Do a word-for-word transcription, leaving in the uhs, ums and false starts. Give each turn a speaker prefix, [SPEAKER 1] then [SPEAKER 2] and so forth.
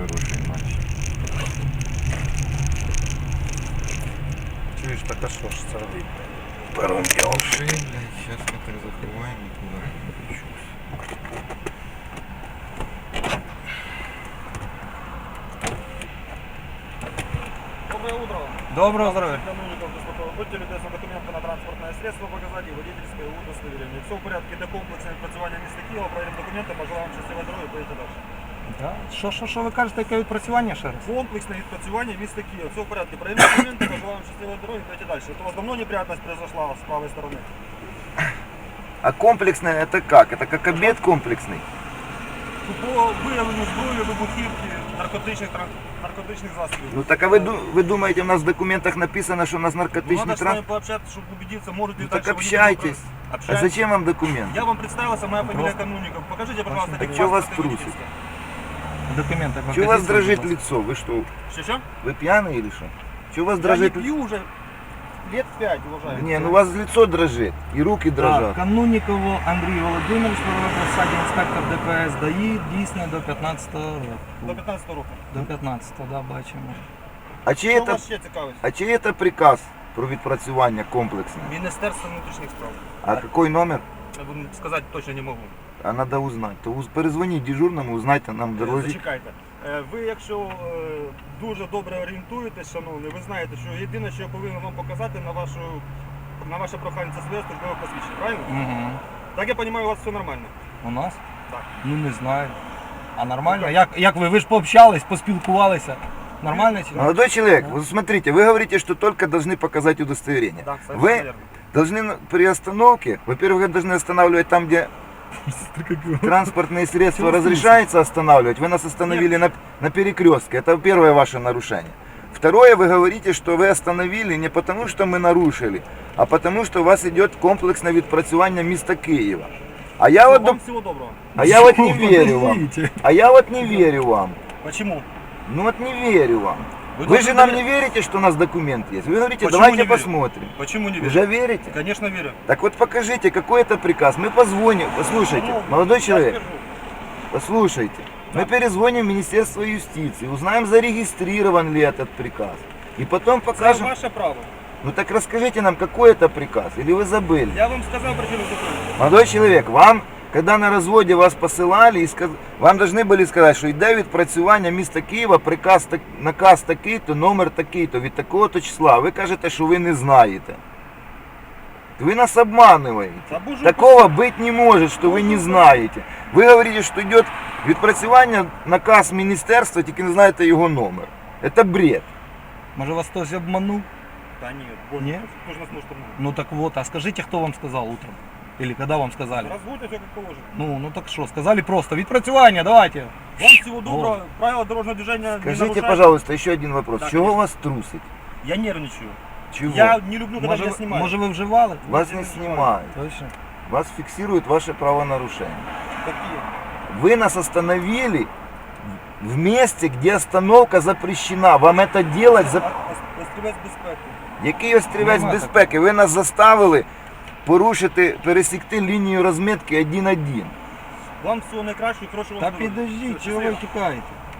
[SPEAKER 1] хороший матч.
[SPEAKER 2] Чуєш, так а що ж це робити?
[SPEAKER 1] Первым делом шеи, блядь, сейчас мы так закрываем и туда включусь.
[SPEAKER 3] Доброе утро.
[SPEAKER 2] Доброго здоров'я.
[SPEAKER 3] Канунников, будьте любезны документы на транспортное средство показать и водительское удостоверение. Все в порядке, для комплексного відпрацювання міста Києва, проверим документи, пожелаємо щасливої дороги, поїдете далі.
[SPEAKER 2] Да? Що, що, що ви кажете, яке відпрацювання ще раз?
[SPEAKER 3] Комплексное відпрацювання міста Києва. Все в порядке, проверим документи, пожелаємо щасливої дороги, поїдете далі. Это у вас давно неприятность произошла с правой стороны?
[SPEAKER 1] А комплексное это как? Это как обед комплексный?
[SPEAKER 3] По виявленню зброї, вибухівки, наркотичних, тран- наркотичних засобів.
[SPEAKER 1] Ну так а вы, ду- вы думаете, у нас в документах написано, что у нас
[SPEAKER 3] Ну,
[SPEAKER 1] наркотичный
[SPEAKER 3] надо с вами
[SPEAKER 1] транспорт?
[SPEAKER 3] пообщаться, чтобы убедиться, может ли
[SPEAKER 1] Ну
[SPEAKER 3] дальше
[SPEAKER 1] так
[SPEAKER 3] водитель
[SPEAKER 1] общайтесь.
[SPEAKER 3] управ-
[SPEAKER 1] А
[SPEAKER 3] Общайтесь.
[SPEAKER 1] зачем вам документ?
[SPEAKER 3] Я вам представился, моя фамилия Канунников. Покажите, пожалуйста,
[SPEAKER 1] Так
[SPEAKER 3] где
[SPEAKER 1] чё вас
[SPEAKER 3] паспорт и
[SPEAKER 1] трусит?
[SPEAKER 3] водительское.
[SPEAKER 2] Документи покажіть.
[SPEAKER 1] Чего у вас
[SPEAKER 2] будь
[SPEAKER 1] дрожит
[SPEAKER 2] ласка.
[SPEAKER 1] лицо? Вы что,
[SPEAKER 3] Что-что?
[SPEAKER 1] вы пьяный или что? Чего у вас
[SPEAKER 3] Я не
[SPEAKER 1] дрожит лицо?
[SPEAKER 3] пью уже лет пять, уважаемый.
[SPEAKER 1] Не, ну у вас лицо дрожит и руки
[SPEAKER 2] Так,
[SPEAKER 1] дрожат.
[SPEAKER 2] Кануннікову Андрій Володимирович, посаді інспектор ДПС ДАІ, дійсне до п'ятнадцятого року.
[SPEAKER 3] До пятнадцатого року.
[SPEAKER 2] До п'ятнадцятого, да, бачимо.
[SPEAKER 1] А чий
[SPEAKER 3] Що
[SPEAKER 1] это,
[SPEAKER 3] вас ще цікавить?
[SPEAKER 1] а чий это приказ про відпрацювання комплексне?
[SPEAKER 3] Міністерство внутрішніх справ.
[SPEAKER 1] А какой номер?
[SPEAKER 3] Я вам сказати точно не можу.
[SPEAKER 1] А надо узнать. То уз- перезвоніть дежурному, узнайте нам дорозі.
[SPEAKER 3] Зачекайте. Е, Ви, якщо е, дуже добре орієнтуєтесь, шановний, ви знаєте, що єдине, що я повинен вам показати на вашу на ваше прохання, це своє службове посвідчення, правильно?
[SPEAKER 2] Угу.
[SPEAKER 3] Так я розумію, у вас все нормально.
[SPEAKER 2] У нас?
[SPEAKER 3] Так.
[SPEAKER 2] Ну не знаю. А нормально? Як, як ви? Ви ж пообщались, поспілкувалися. Нормально чи ні?
[SPEAKER 1] Молодой человек, вот смотрите, вы говорите, что только должны показать удостоверение.
[SPEAKER 3] Так,
[SPEAKER 1] Вы
[SPEAKER 3] совершенно верно.
[SPEAKER 1] должны на- при остановке, во-первых, вы должны останавливать там, где транспортные средства разрешается останавливать. Вы нас остановили на, на перекрестке. Это первое ваше нарушение. Второе, вы говорите, что вы остановили не потому, что мы нарушили, а потому, что у вас идет комплексное відпрацювання міста Києва. А я вот,
[SPEAKER 3] Вам
[SPEAKER 1] доп-
[SPEAKER 3] всего доброго.
[SPEAKER 1] а я вот не верю вам.
[SPEAKER 2] Подождите.
[SPEAKER 1] А я вот не верю вам.
[SPEAKER 3] Почему?
[SPEAKER 1] Ну вот не верю вам.
[SPEAKER 3] Вы
[SPEAKER 1] Вы же
[SPEAKER 3] должны
[SPEAKER 1] нам
[SPEAKER 3] доверять-
[SPEAKER 1] не верите, что у нас документ есть. Вы говорите,
[SPEAKER 3] Почему
[SPEAKER 1] давайте
[SPEAKER 3] не верю?
[SPEAKER 1] посмотрим.
[SPEAKER 3] Почему не верю?
[SPEAKER 1] Уже верите?
[SPEAKER 3] Конечно верю.
[SPEAKER 1] Так вот покажите, какой это приказ. Мы позвоним. Послушайте,
[SPEAKER 3] Ну,
[SPEAKER 1] молодой
[SPEAKER 3] я
[SPEAKER 1] человек,
[SPEAKER 3] скажу.
[SPEAKER 1] послушайте.
[SPEAKER 3] Да.
[SPEAKER 1] Мы перезвоним в Министерство юстиции, узнаем, зарегистрирован ли этот приказ. И потом
[SPEAKER 3] Це
[SPEAKER 1] покажем.
[SPEAKER 3] ваше право.
[SPEAKER 1] Ну так расскажите нам, какой это приказ, или вы забыли?
[SPEAKER 3] Я вам сказав причину зупинки.
[SPEAKER 1] Молодой человек, вам, когда на разводе вас посылали, и сказ... вам должны были сказать, що йде відпрацювання міста Києва, приказ, так... наказ такий-то, номер такий-то, від такого-то числа. Ви кажете, що ви не знаєте. Вы нас обманываете.
[SPEAKER 3] Та боже,
[SPEAKER 1] Такого быть не может, что вы не знаете. Вы говорите, что идет відпрацювання, наказ міністерства, тільки не знаєте його номер. Это бред.
[SPEAKER 2] Може вас хтось обманув?
[SPEAKER 3] Да нет, боже,
[SPEAKER 2] Нет?
[SPEAKER 3] кто же нас может обмануть?
[SPEAKER 2] Ну так вот, а скажите, кто вам сказал утром? Или когда вам сказали?
[SPEAKER 3] Разводите все как положено.
[SPEAKER 2] Ну, ну так что, сказали просто, відпрацювання, давайте.
[SPEAKER 3] Вам всего доброго, правила дорожного движения не
[SPEAKER 1] Скажите,
[SPEAKER 3] нарушайте.
[SPEAKER 1] пожалуйста, еще один вопрос.
[SPEAKER 3] Да,
[SPEAKER 1] Чего
[SPEAKER 3] конечно.
[SPEAKER 1] вас трусить?
[SPEAKER 3] Я нервничаю.
[SPEAKER 1] Чего?
[SPEAKER 3] Я не люблю, когда
[SPEAKER 2] Може,
[SPEAKER 3] меня
[SPEAKER 2] ви-
[SPEAKER 3] снимают.
[SPEAKER 2] може ви вживали?
[SPEAKER 1] Вас
[SPEAKER 3] Я
[SPEAKER 1] не
[SPEAKER 3] не
[SPEAKER 1] снимают.
[SPEAKER 2] Точно.
[SPEAKER 1] Вас фиксирует ваше правонарушение.
[SPEAKER 3] Какие?
[SPEAKER 1] Вы нас остановили в месте, где остановка запрещена. Вам это делать за...
[SPEAKER 3] Острівець безпеки.
[SPEAKER 1] Який острівець
[SPEAKER 2] Нема
[SPEAKER 1] безпеки? Ви нас заставили порушити, пересікти лінію розмітки один один.
[SPEAKER 3] Вам всього найкращого, хорошого
[SPEAKER 2] Та
[SPEAKER 3] вам здоров'я.
[SPEAKER 2] підождіть,
[SPEAKER 3] Все,
[SPEAKER 2] чого ви
[SPEAKER 3] щасливо.
[SPEAKER 2] тікаєте?